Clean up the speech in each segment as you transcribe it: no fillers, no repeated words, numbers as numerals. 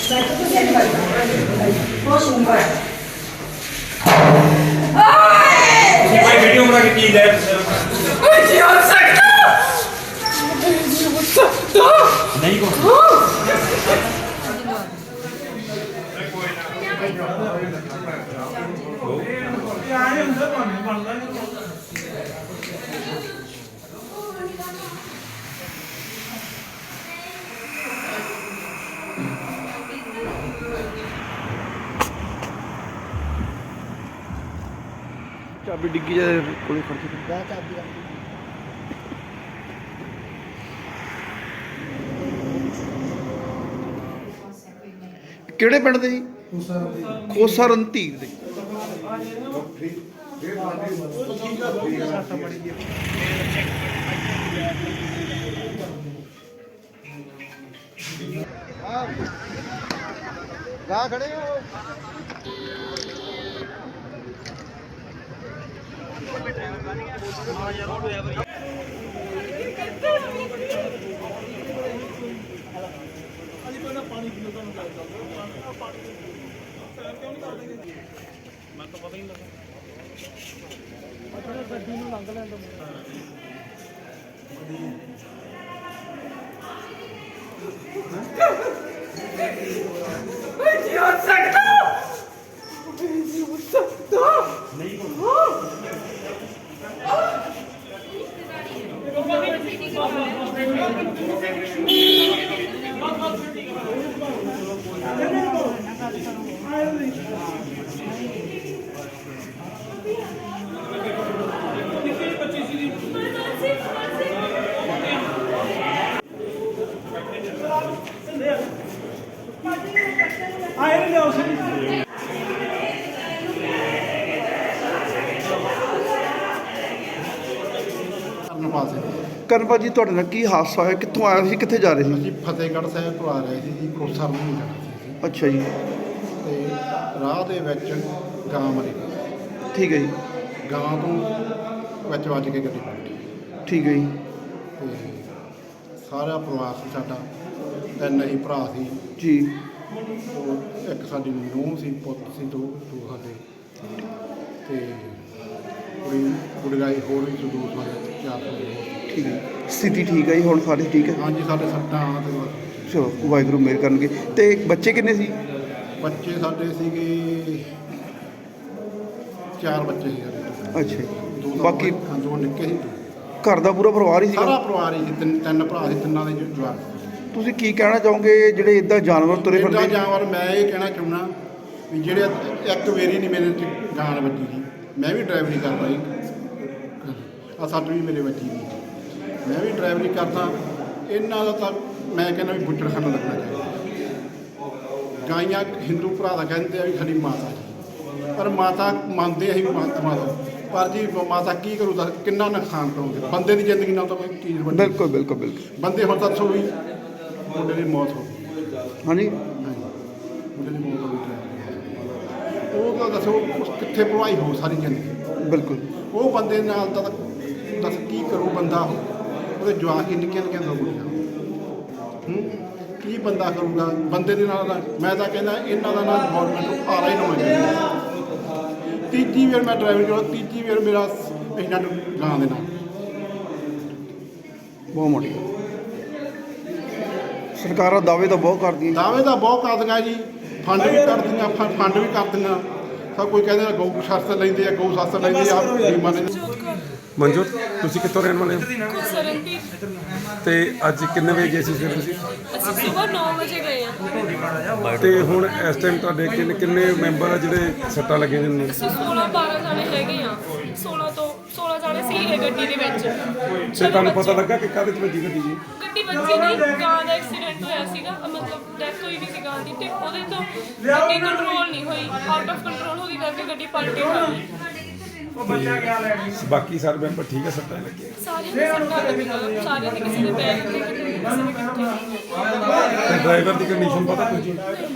Video बना के की है नहीं को चाबी डिग्गी जाए कोई खर्च ਕਿਹੜੇ ਪਿੰਡ ਦੇ ਜੀ? ਖੋਸਾ ਰਣਧੀਰ ਦੇ। ਗਾ ਖੜੇ ਹੋ पानी क्यों तो क्यों नहीं कर देंगे मैं तो पता ही नहीं लगा अच्छा गड्डी में लंघ लें ਕਰਨਪਾਲ ਜੀ, ਤੁਹਾਡੇ ਨਾਲ ਕੀ ਹਾਦਸਾ ਹੋਇਆ? ਕਿੱਥੋਂ ਆਇਆ ਸੀ, ਕਿੱਥੇ ਜਾ ਰਹੇ ਸੀ? ਅਸੀਂ ਫਤਿਹਗੜ੍ਹ ਸਾਹਿਬ ਤੋਂ ਆ ਰਹੇ ਸੀ ਜੀ, ਖੋਸਾ ਨੂੰ ਜਾਣਾ ਸੀ। ਅੱਛਾ ਜੀ। ਤੇ ਰਾਹ ਦੇ ਵਿੱਚ ਗਾਂ ਮਰੀ। ਠੀਕ ਹੈ ਜੀ। ਗਾਂ ਤੋਂ ਵਿੱਚ ਵੱਜ ਕੇ ਗੱਡੀ ਪਲਟੀ। ਠੀਕ ਹੈ ਜੀ। ਤੇ ਸਾਰਾ ਪਰਿਵਾਰ ਸੀ ਸਾਡਾ, ਤਿੰਨ ਹੀ ਭਰਾ ਸੀ ਜੀ। ਉਹ ਇੱਕ ਸਾਡੀ ਨੂੰਹ ਸੀ, ਪੁੱਤ ਸੀ, ਦੋ ਸਾਡੇ, ਤੇ ਕੁੜੀ ਗੁੜਗਾਈ ਹੋਰ ਵੀ ਸੀ, ਦੋ ਸਾਡੇ, ਚਾਰ ਸਾਡੇ ਹੋਰ। ਠੀਕ ਹੈ। ਸਥਿਤੀ ਠੀਕ ਹੈ ਜੀ ਹੁਣ? ਸਾਰੇ ਠੀਕ ਹੈ? ਹਾਂਜੀ, ਸਾਡੇ ਸੱਟਾਂ ਤੇ ਚਲੋ ਵਾਹਿਗੁਰੂ ਮਿਹਰ ਕਰਨਗੇ। ਤੇ ਬੱਚੇ ਕਿੰਨੇ ਸੀ? ਬੱਚੇ ਸਾਡੇ ਸੀਗੇ 4 ਬੱਚੇ ਸੀ ਸਾਡੇ। ਅੱਛਾ ਜੀ। ਬਾਕੀ ਦੋ ਨਿੱਕੇ ਸੀ। ਘਰ ਦਾ ਪੂਰਾ ਪਰਿਵਾਰ ਹੀ ਸਾਰਾ ਸੀਗਾ? ਪਰਿਵਾਰ ਹੀ ਸੀ, ਤਿੰਨ ਭਰਾ ਸੀ, ਤਿੰਨਾਂ ਦੇ ਜਵਾਕ। ਤੁਸੀਂ ਕੀ ਕਹਿਣਾ ਚਾਹੋਗੇ ਜਿਹੜੇ ਇਦਾਂ ਜਾਨਵਰ ਤੁਰੇ ਇੱਦਾਂ ਫਿਰਦੇ? ਜਾਨਵਰ ਮੈਂ ਇਹ ਕਹਿਣਾ ਚਾਹੁੰਦਾ ਵੀ ਜਿਹੜੇ ਇੱਕ ਵਾਰੀ ਨਹੀਂ ਮੇਰੇ 'ਚ ਗਾਂ ਵੱਜੀ ਸੀ, ਮੈਂ ਵੀ ਡਰਾਈਵਰੀ ਕਰਦਾ ਜੀ, ਆ ਸੱਟ ਵੀ ਮੇਰੇ ਵੱਜੀ ਸੀ, ਮੈਂ ਵੀ ਡਰਾਈਵਰੀ ਕਰਦਾ। ਇਹਨਾਂ ਦਾ ਤਾਂ ਮੈਂ ਕਹਿੰਦਾ ਵੀ ਬੁੱਚੜਖਾਨਾ ਲੱਗਣਾ ਚਾਹੀਦਾ। ਗਾਈਆਂ ਹਿੰਦੂ ਭਰਾ ਦਾ ਕਹਿੰਦੇ ਆ ਵੀ ਸਾਡੀ ਮਾਤਾ ਜੀ, ਪਰ ਮਾਤਾ ਮੰਨਦੇ ਅਸੀਂ ਮਾਤਾ, ਪਰ ਜੀ ਮਾਤਾ ਕੀ ਕਰੂ ਤਾਂ ਕਿੰਨਾ ਨੁਕਸਾਨ ਕਰੋਗੇ ਬੰਦੇ ਦੀ ਜ਼ਿੰਦਗੀ ਨਾਲ। ਤਾਂ ਕੋਈ ਚੀਜ਼ ਵੱਡੀ। ਬਿਲਕੁਲ ਬਿਲਕੁਲ ਬਿਲਕੁਲ। ਬੰਦੇ ਹੁਣ ਦੱਸੋ ਵੀ ਮੁੰਡੇ ਦੀ ਮੌਤ ਹੋ ਗਈ। ਹਾਂਜੀ। ਮੁੰਡੇ ਦੀ ਮੌਤ ਹੋ ਗਈ। ਉਹ ਤਾਂ ਦੱਸੋ ਕਿੱਥੇ ਭਵਾਈ ਹੋ ਸਾਰੀ ਜ਼ਿੰਦਗੀ। ਬਿਲਕੁਲ। ਉਹ ਬੰਦੇ ਨਾਲ ਤਾਂ ਦੱਸ ਕੀ ਕਰੂ ਬੰਦਾ? ਉਹਦੇ ਜਵਾਕ ਹੀ ਨਿੱਕੀਆਂ ਨਿੱਕੀਆਂ ਦੋ ਕੁੜੀਆਂ, ਕੀ ਬੰਦਾ ਕਰੂਗਾ ਬੰਦੇ ਦੇ ਨਾਲ? ਮੈਂ ਤਾਂ ਕਹਿੰਦਾ ਇਹਨਾਂ ਦਾ ਨਾਲ ਗੌਰਮੈਂਟ ਨੂੰ ਆਰਾ ਹੀ ਨਾ ਹੋਣਾ। ਤੀਜੀ ਵਾਰ ਮੈਂ ਡਰਾਈਵਰ ਕਰਦਾ, ਤੀਜੀ ਵਾਰ ਮੇਰਾ ਐਕਸੀਡੈਂਟ ਗਾਂ ਦੇ ਨਾਲ। ਬਹੁਤ ਮੋਟੀ ਸਰਕਾਰਾਂ ਦਾਅਵੇ ਤਾਂ ਬਹੁਤ ਕਰਦੀਆਂ। ਦਾਅਵੇ ਤਾਂ ਬਹੁਤ ਕਰਦੀਆਂ ਜੀ, ਫੰਡ ਵੀ ਕਰਦੀਆਂ, ਫੰਡ ਵੀ ਕਰਦੀਆਂ। ਸਭ ਕੋਈ ਕਹਿੰਦੇ ਗਊ ਸ਼ਾਸਤਰ ਲੈਂਦੇ ਆ, ਗਊ ਸ਼ਾਸਤਰ ਲੈਂਦੇ ਆ, ਬੀਮਾ ਲੈਂਦੇ। ਮਨਜੋਤ, ਤੁਸੀਂ ਕਿੱਥੋਂ ਰਹਿਣ ਵਾਲੇ ਹੋ? ਤੇ ਅੱਜ ਕਿੰਨੇ ਵਜੇ ਗਏ ਸੀ ਫਿਰ ਤੁਸੀਂ? ਅਸੀਂ ਸਵੇਰ 9 ਵਜੇ ਗਏ ਆ। ਤੇ ਹੁਣ ਇਸ ਟਾਈਮ ਤੁਹਾਡੇ ਕਿੰਨੇ ਮੈਂਬਰ ਆ ਜਿਹੜੇ ਸੱਟਾਂ ਲੱਗੇ ਨੇ? ਅਸੀਂ 16-12 ਜਾਣੇ ਹੈਗੇ ਆ। 16 ਜਾਣੇ ਸੀਗੇ ਗੱਡੀ ਦੇ ਵਿੱਚ। ਤੇ ਤੁਹਾਨੂੰ ਪਤਾ ਲੱਗਾ ਕਿ ਕਾਹਦੇ 'ਚ ਵੱਜੀ ਗੱਡੀ ਜੀ? ਗੱਡੀ ਵੱਜੀ ਨਹੀਂ, ਗਾਂ ਦਾ ਐਕਸੀਡੈਂਟ ਹੋਇਆ ਸੀਗਾ, ਮਤਲਬ ਡੈਥ ਹੋਈ ਵੀ ਸੀ ਗਾਂ ਦੀ, ਤੇ ਉਹਦੇ ਤੋਂ ਗੱਡੀ ਕੰਟਰੋਲ ਨਹੀਂ ਹੋਈ, ਆਊਟ ਆਫ ਕੰਟਰੋਲ ਹੋ ਗਈ ਕਰਕੇ ਗੱਡੀ ਪਲਟੀ ਹੋਈ। ਬਾਕੀ ਸਾਰੇ ਮੈਂਬਰ ਠੀਕ ਹੈ? ਸੱਟਾਂ ਲੱਗੀਆਂ ਸਾਰਿਆਂ ਦੇ ਸੱਟਾਂ ਲੱਗੀਆਂ, ਸਾਰਿਆਂ ਦੇ ਕਿਸੇ ਦੇ ਬੈਗ ਤੇ, ਕਿਸੇ ਦੇ ਕਿੱਥੇ। ਤੇ ਡਰਾਈਵਰ ਦੀ ਕੰਡੀਸ਼ਨ ਪਤਾ ਕੁਝ?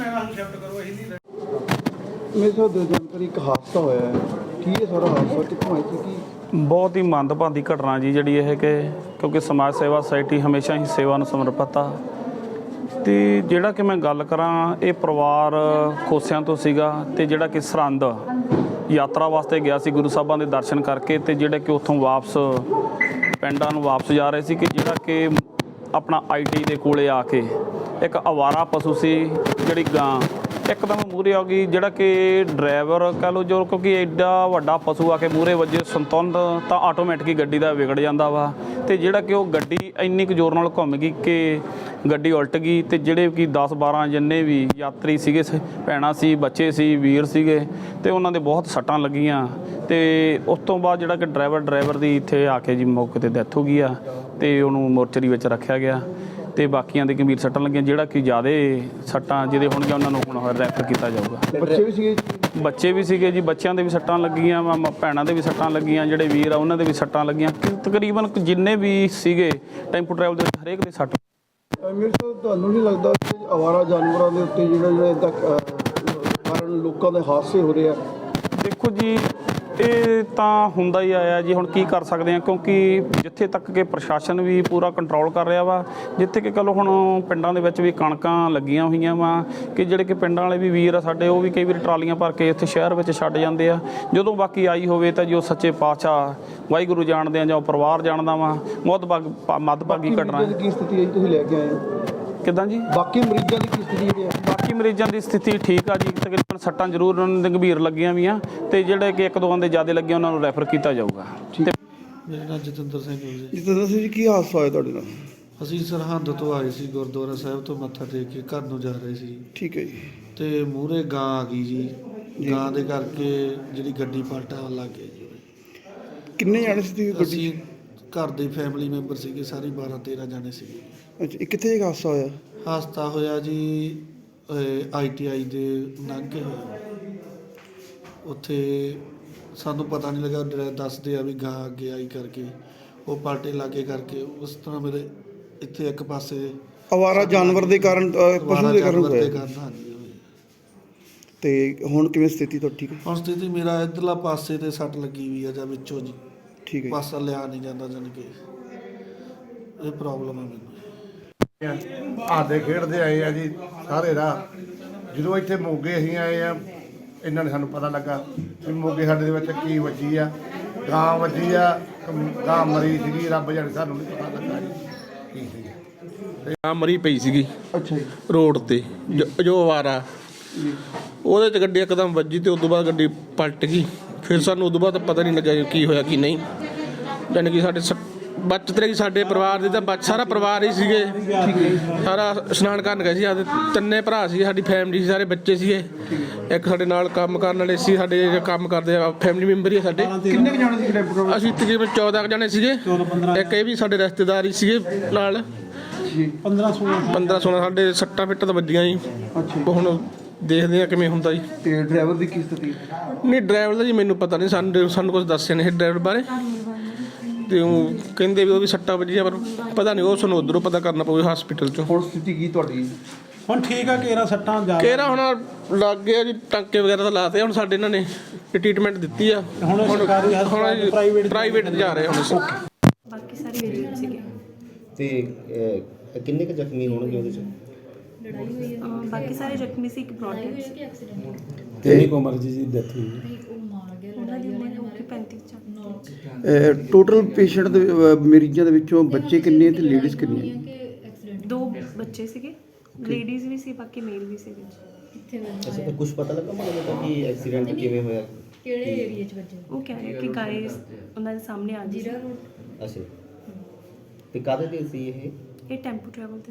ਮੇਰੇ ਤੋਂ ਜਾਣਕਾਰੀ ਇੱਕ ਹਾਦਸਾ ਹੋਇਆ ਹੈ, ਕੀ ਹੈ ਸਾਰਾ ਹਾਦਸਾ, ਕਿੱਥੋਂ ਆਇਆ ਸੀ? ਕੀ ਬਹੁਤ ਹੀ ਮੰਦਭਾਗੀ ਘਟਨਾ ਜੀ ਜਿਹੜੀ ਇਹ ਕਿ ਕਿਉਂਕਿ ਸਮਾਜ ਸੇਵਾ ਸੁਸਾਇਟੀ ਹਮੇਸ਼ਾ ਹੀ ਸੇਵਾ ਨੂੰ ਸਮਰਪਿਤ ਆ ਤੇ ਜਿਹੜਾ ਕਿ ਮੈਂ ਗੱਲ ਕਰਾਂ, ਇਹ ਪਰਿਵਾਰ ਖੋਸਿਆਂ ਤੋਂ ਸੀਗਾ ਤੇ ਜਿਹੜਾ ਕਿ ਸਰਹੰਦ ਯਾਤਰਾ ਵਾਸਤੇ ਗਿਆ ਸੀ ਗੁਰੂ ਸਾਹਿਬਾਂ ਦੇ ਦਰਸ਼ਨ ਕਰਕੇ, ਤੇ ਜਿਹੜੇ ਕਿ ਉੱਥੋਂ ਵਾਪਸ ਪਿੰਡਾਂ ਨੂੰ ਵਾਪਸ ਜਾ ਰਹੇ ਸੀ ਕਿ ਜਿਹੜਾ ਕਿ ਆਪਣਾ ਆਈਟੀ ਦੇ ਕੋਲੇ ਆ ਕੇ ਇੱਕ ਅਵਾਰਾ ਪਸ਼ੂ ਸੀ ਜਿਹੜੀ ਗਾਂ ਇੱਕਦਮ ਮੂਹਰੇ ਆ ਗਈ। ਜਿਹੜਾ ਕਿ ਡਰਾਈਵਰ ਕਹਿ ਲਓ ਜੋ, ਕਿਉਂਕਿ ਐਡਾ ਵੱਡਾ ਪਸ਼ੂ ਆ ਕੇ ਮੂਹਰੇ ਵੱਜੇ ਸੰਤੁਲਨ ਤਾਂ ਆਟੋਮੈਟਿਕ ਗੱਡੀ ਦਾ ਵਿਗੜ ਜਾਂਦਾ ਵਾ। ਤੇ ਜਿਹੜਾ ਕਿ ਉਹ ਗੱਡੀ ਇੰਨੀ ਕੁ ਜ਼ੋਰ ਨਾਲ ਘੁੰਮ ਗਈ ਕਿ ਗੱਡੀ ਉਲਟ ਗਈ ਤੇ ਜਿਹੜੇ ਕਿ 10-12 ਜਿੰਨੇ ਵੀ ਯਾਤਰੀ ਸੀਗੇ, ਭੈਣਾਂ ਸੀ, ਬੱਚੇ ਸੀ, ਵੀਰ ਸੀਗੇ, ਤੇ ਉਹਨਾਂ ਦੇ ਬਹੁਤ ਸੱਟਾਂ ਲੱਗੀਆਂ। ਤੇ ਉਸ ਤੋਂ ਬਾਅਦ ਜਿਹੜਾ ਕਿ ਡਰਾਈਵਰ ਦੀ ਇੱਥੇ ਆ ਕੇ ਜੀ ਮੌਕੇ 'ਤੇ ਡੈਥ ਹੋ ਗਈ ਆ ਤੇ ਉਹਨੂੰ ਮੋਰਚਰੀ ਵਿੱਚ ਰੱਖਿਆ ਗਿਆ। ਤੇ ਬਾਕੀਆਂ ਦੇ ਗੰਭੀਰ ਸੱਟਾਂ ਲੱਗੀਆਂ। ਜਿਹੜਾ ਕਿ ਜ਼ਿਆਦਾ ਸੱਟਾਂ ਜਿਹਦੇ ਹੋਣਗੀਆਂ ਉਹਨਾਂ ਨੂੰ ਹੁਣ ਰੈਫਰ ਕੀਤਾ ਜਾਊਗਾ। ਬੱਚੇ ਵੀ ਸੀਗੇ ਜੀ, ਬੱਚਿਆਂ ਦੇ ਵੀ ਸੱਟਾਂ ਲੱਗੀਆਂ, ਭੈਣਾਂ ਦੇ ਵੀ ਸੱਟਾਂ ਲੱਗੀਆਂ, ਜਿਹੜੇ ਵੀਰ ਆ ਉਹਨਾਂ ਦੇ ਵੀ ਸੱਟਾਂ ਲੱਗੀਆਂ। ਤਕਰੀਬਨ ਜਿੰਨੇ ਵੀ ਸੀਗੇ ਟੈਂਪੂ ਟਰੈਵਲ ਦੇ ਹਰੇਕ ਦੇ ਸੱਟ। ਮੇਰੇ ਤੋਂ ਤੁਹਾਨੂੰ ਨਹੀਂ ਲੱਗਦਾ ਕਿ ਅਵਾਰਾ ਜਾਨਵਰਾਂ ਦੇ ਉੱਤੇ ਜਿਹੜਾ ਇੱਦਾਂ ਕਾਰਨ ਲੋਕਾਂ ਦੇ ਹਾਦਸੇ ਹੋ ਰਹੇ ਆ? ਦੇਖੋ ਜੀ, ਇਹ ਤਾਂ ਹੁੰਦਾ ਹੀ ਆਇਆ ਜੀ। ਹੁਣ ਕੀ ਕਰ ਸਕਦੇ ਆ, ਕਿਉਂਕਿ ਜਿੱਥੇ ਤੱਕ ਕਿ ਪ੍ਰਸ਼ਾਸਨ ਵੀ ਪੂਰਾ ਕੰਟਰੋਲ ਕਰ ਰਿਹਾ ਵਾ, ਜਿੱਥੇ ਕਿ ਚਲੋ ਹੁਣ ਪਿੰਡਾਂ ਦੇ ਵਿੱਚ ਵੀ ਕਣਕਾਂ ਲੱਗੀਆਂ ਹੋਈਆਂ ਵਾ ਕਿ ਜਿਹੜੇ ਕਿ ਪਿੰਡਾਂ ਵਾਲੇ ਵੀ ਵੀਰ ਆ ਸਾਡੇ, ਉਹ ਵੀ ਕਈ ਵਾਰੀ ਟਰਾਲੀਆਂ ਭਰ ਕੇ ਇੱਥੇ ਸ਼ਹਿਰ ਵਿੱਚ ਛੱਡ ਜਾਂਦੇ ਆ। ਜਦੋਂ ਬਾਕੀ ਆਈ ਹੋਵੇ ਤਾਂ ਜੋ ਸੱਚੇ ਪਾਤਸ਼ਾਹ ਵਾਹਿਗੁਰੂ ਜਾਣਦੇ ਆ ਜਾਂ ਉਹ ਪਰਿਵਾਰ ਜਾਣਦਾ ਵਾ, ਬਹੁਤ ਮੱਦਭਾਗੀ ਘਟਨਾ ਹੈ। ਕੀ ਸਥਿਤੀ ਹੈ ਤੁਸੀਂ ਲੈ ਕੇ ਆਏ ਹੋ? ਕਿੱਦਾਂ ਜੀ? ਬਾਕੀ ਮਰੀਜ਼ਾਂ ਦੀ ਕੀ ਸਥਿਤੀ ਹੈ? ਬਾਕੀ ਮਰੀਜ਼ਾਂ ਦੀ ਸਥਿਤੀ ਠੀਕ ਆ ਜੀ, ਤਕਰੀਬਨ ਸੱਟਾਂ ਜ਼ਰੂਰ ਉਹਨਾਂ ਦੇ ਗੰਭੀਰ ਲੱਗੀਆਂ ਵੀ ਆ ਤੇ ਜਿਹੜੇ ਕਿ 1-2 ਦੇ ਜ਼ਿਆਦਾ ਲੱਗੇ ਉਹਨਾਂ ਨੂੰ ਰੈਫਰ ਕੀਤਾ ਜਾਊਗਾ। ਮੇਰਾ ਨਾਮ ਜਤਿੰਦਰ ਸਿੰਘ ਹੈ ਜੀ। ਜਿੱਦਾਂ ਜੀ ਕੀ ਹਾਦਸਾ ਹੋਇਆ ਤੁਹਾਡੇ ਨਾਲ? ਅਸੀਂ ਸਰਹੰਦ ਤੋਂ ਆਏ ਸੀ, ਗੁਰਦੁਆਰਾ ਸਾਹਿਬ ਤੋਂ ਮੱਥਾ ਟੇਕ ਕੇ ਘਰ ਨੂੰ ਜਾ ਰਹੇ ਸੀ ਠੀਕ ਹੈ ਜੀ। ਤੇ ਮੂਹਰੇ ਗਾਂ ਆ ਗਈ ਜੀ। ਗਾਂ ਦੇ ਕਰਕੇ ਜਿਹੜੀ ਗੱਡੀ ਪਲਟਣ ਲੱਗ ਗਈ ਜੀ। ਕਿੰਨੇ ਜਾਣੇ ਸੀ ਗੱਡੀ? ਅਸੀਂ ਘਰ ਦੇ ਫੈਮਿਲੀ ਮੈਂਬਰ ਸੀਗੇ, ਸਾਰੇ 12-13 ਜਾਣੇ ਸੀਗੇ। ਅੱਛਾ, ਇਹ ਕਿੱਥੇ ਇਹ ਹਾਦਸਾ ਹੋਇਆ? ਹਾਦਸਾ ਹੋਇਆ ਜੀ ITI ਦੇ ਨਾਗੇ ਹੋਇਆ। ਉੱਥੇ ਸਾਨੂੰ ਪਤਾ ਨਹੀਂ ਲੱਗਾ, ਡਰਾਈਵਰ ਦੱਸਦੇ ਆ ਵੀ ਗਾਂ ਅੱਗੇ ਆਈ ਕਰਕੇ ਉਹ ਪਲਟੇ ਲਾਗੇ ਕਰਕੇ ਉਸ ਤਰ੍ਹਾਂ ਮੇਰੇ ਇੱਥੇ ਇੱਕ ਪਾਸੇ ਅਵਾਰਾ ਜਾਨਵਰ ਦੇ ਕਾਰਨ ਪਸ਼ੂ ਦੇ ਕਾਰਨ ਹੋਇਆ। ਹਾਂਜੀ। ਤੇ ਹੁਣ ਕਿਵੇਂ ਸਥਿਤੀ ਤੁਹਾਡੀ? ਠੀਕ ਹੈ ਹੁਣ ਸਥਿਤੀ ਮੇਰਾ ਇੱਧਰਲਾ ਪਾਸੇ ਤੇ ਸੱਟ ਲੱਗੀ ਵੀ ਆ ਜਾਂ ਵਿੱਚੋਂ ਜੀ, ਠੀਕ ਹੈ। ਪਾਸਾ ਲਿਆ ਨਹੀਂ ਜਾਂਦਾ, ਜਾਣੀ ਕਿ ਇਹ ਪ੍ਰੋਬਲਮ ਹੈ ਮੈਨੂੰ। ਆਦੇ ਖੇਡਦੇ ਆਏ ਆ ਜੀ ਸਾਰੇ ਰਾਹ। ਜਦੋਂ ਇੱਥੇ ਮੋਗੇ ਅਸੀਂ ਆਏ ਆ, ਇਹਨਾਂ ਨੇ ਸਾਨੂੰ ਪਤਾ ਲੱਗਾ ਵੀ ਮੋਗੇ ਸਾਡੇ ਦੇ ਵਿੱਚ ਕੀ ਵੱਜੀ ਆ। ਗਾਂ ਵੱਜੀ ਆ, ਗਾਂ ਮਰੀ ਸੀਗੀ, ਰੱਬ ਜਾਣੇ, ਸਾਨੂੰ ਨਹੀਂ ਪਤਾ ਲੱਗਾ ਜੀ ਕੀ ਸੀ। ਗਾਂ ਮਰੀ ਪਈ ਸੀਗੀ ਅੱਛਾ ਜੀ। ਰੋਡ ਤੇ, ਜੋ ਅਵਾਰਾ ਉਹਦੇ 'ਚ ਗੱਡੀ ਇੱਕਦਮ ਵੱਜੀ ਤੇ ਉਦੋਂ ਬਾਅਦ ਗੱਡੀ ਪਲਟ ਗਈ। ਫਿਰ ਸਾਨੂੰ ਉਦੋਂ ਬਾਅਦ ਪਤਾ ਨਹੀਂ ਲੱਗਿਆ ਕੀ ਹੋਇਆ ਕੀ ਨਹੀਂ। ਜਾਣੀ ਕਿ ਸਾਡੇ ਬਚਤ ਰਹੀ ਸਾਡੇ ਪਰਿਵਾਰ ਦੀ, ਤਾਂ ਸਾਰਾ ਪਰਿਵਾਰ ਹੀ ਸੀਗੇ, ਸਾਰਾ ਇਸ਼ਨਾਨ ਕਰਨ ਗਏ ਸੀ। ਸਾਡੇ 3 ਭਰਾ ਸੀ, ਸਾਡੀ ਫੈਮਿਲੀ ਸੀ, ਸਾਰੇ ਬੱਚੇ ਸੀਗੇ। ਇੱਕ ਸਾਡੇ ਨਾਲ ਕੰਮ ਕਰਨ ਵਾਲੇ ਸੀ, ਸਾਡੇ ਕੰਮ ਕਰਦੇ ਆ ਫੈਮਿਲੀ ਮੈਂਬਰ ਹੀ ਸਾਡੇ। ਕਿੰਨੇ ਜਾਣੇ ਸੀ ਟੈਂਪੂ ਟਰੈਵਲ? ਅਸੀਂ ਤਕਰੀਬਨ 14 ਜਣੇ ਸੀਗੇ। ਇੱਕ ਇਹ ਵੀ ਸਾਡੇ ਰਿਸ਼ਤੇਦਾਰ ਹੀ ਸੀਗੇ ਨਾਲ। 15-16 ਸਾਡੇ ਸੱਟਾਂ ਫਿੱਟਾਂ ਤਾਂ ਵੱਜੀਆਂ ਜੀ। ਹੁਣ ਦੇਖਦੇ ਆ ਕਿਵੇਂ ਹੁੰਦਾ ਜੀ। ਤੇ ਡਰਾਈਵਰ ਦੀ ਕੀ ਸਥਿਤੀ? ਨਹੀਂ, ਡਰਾਈਵਰ ਦਾ ਜੀ ਮੈਨੂੰ ਪਤਾ ਨਹੀਂ, ਸਾਨੂੰ ਕੁਝ ਦੱਸਿਆ ਨਹੀਂ ਡਰਾਈਵਰ ਬਾਰੇ। ਤੇ ਉਹ ਕਹਿੰਦੇ ਵੀ ਉਹ ਵੀ ਸੱਟਾਂ ਵੱਜੀਆਂ, ਪਰ ਪਤਾ ਨਹੀਂ, ਉਹ ਸਾਨੂੰ ਉੱਧਰੋਂ ਪਤਾ ਕਰਨਾ ਪਊ ਹਸਪੀਟਲ 'ਚੋਂ। ਹੁਣ ਸਥਿਤੀ ਕੀ ਤੁਹਾਡੀ? ਹੁਣ ਠੀਕ ਆ, ਘੇਰਾ ਸੱਟਾਂ ਜਾ ਕਿਹੜਾ ਹੁਣ ਲੱਗ ਗਿਆ ਜੀ, ਟਾਂਕੇ ਵਗੈਰਾ ਤਾਂ ਲਾਤੇ। ਹੁਣ ਸਾਡੇ ਇਹਨਾਂ ਨੇ ਟ੍ਰੀਟਮੈਂਟ ਦਿੱਤੀ ਆ। ਹੁਣ ਸਰਕਾਰੀ ਹਸਪਤਾਲ ਪ੍ਰਾਈਵੇਟ ਜਾ ਰਹੇ ਹੁਣ ਅਸੀਂ। ਬਾਕੀ ਸਾਰੇ ਵੇਲੇ ਸੀਗੇ ਤੇ ਕਿੰਨੇ ਕੁ ਜ਼ਖਮੀ ਹੋਣਗੇ ਉਹਦੇ 'ਚ? ਬਾਕੀ ਸਾਰੇ ਜ਼ਖਮੀ ਸੀ। ਇੱਕ ਬ੍ਰੌਡ ਕਿੰਨੀ ਕੁ ਉਮਰ ਜੀ ਡੈਥ ਹੋਈ? ਉਹਨਾਂ ਦੀ ਉਮਰ ਹੋ ਗਈ 35-40। ਟੋਟਲ ਪੇਸ਼ੈਂਟ ਦੇ ਮਰੀਜ਼ਾਂ ਦੇ ਵਿੱਚੋਂ ਬੱਚੇ ਕਿੰਨੇ ਤੇ ਲੇਡੀਜ਼ ਕਿੰਨੀਆਂ? 2 ਬੱਚੇ ਸੀਗੇ, ਲੇਡੀਜ਼ ਵੀ ਸੀ, ਬਾਕੀ ਮੇਲ ਵੀ ਸੀਗੇ। ਅੱਛਾ, ਤਾਂ ਕੁਝ ਪਤਾ ਲੱਗਾ ਮਤਲਬ ਕਿ ਐਕਸੀਡੈਂਟ ਕਿਵੇਂ ਹੋਇਆ? ਕਿਹੜੇ ਏਰੀਆ 'ਚ ਵੱਜੇ? ਉਹ ਕਹਿ ਰਹੇ ਕਿ ਗਾਇ ਉਹਨਾਂ ਦੇ ਸਾਹਮਣੇ ਆ ਗਈ। ਅੱਛਾ, ਤੇ ਕਾਹਦੇ ਤੇ ਸੀ ਇਹ? ਇਹ ਟੈਂਪੂ ਟਰੈਵਲ ਤੇ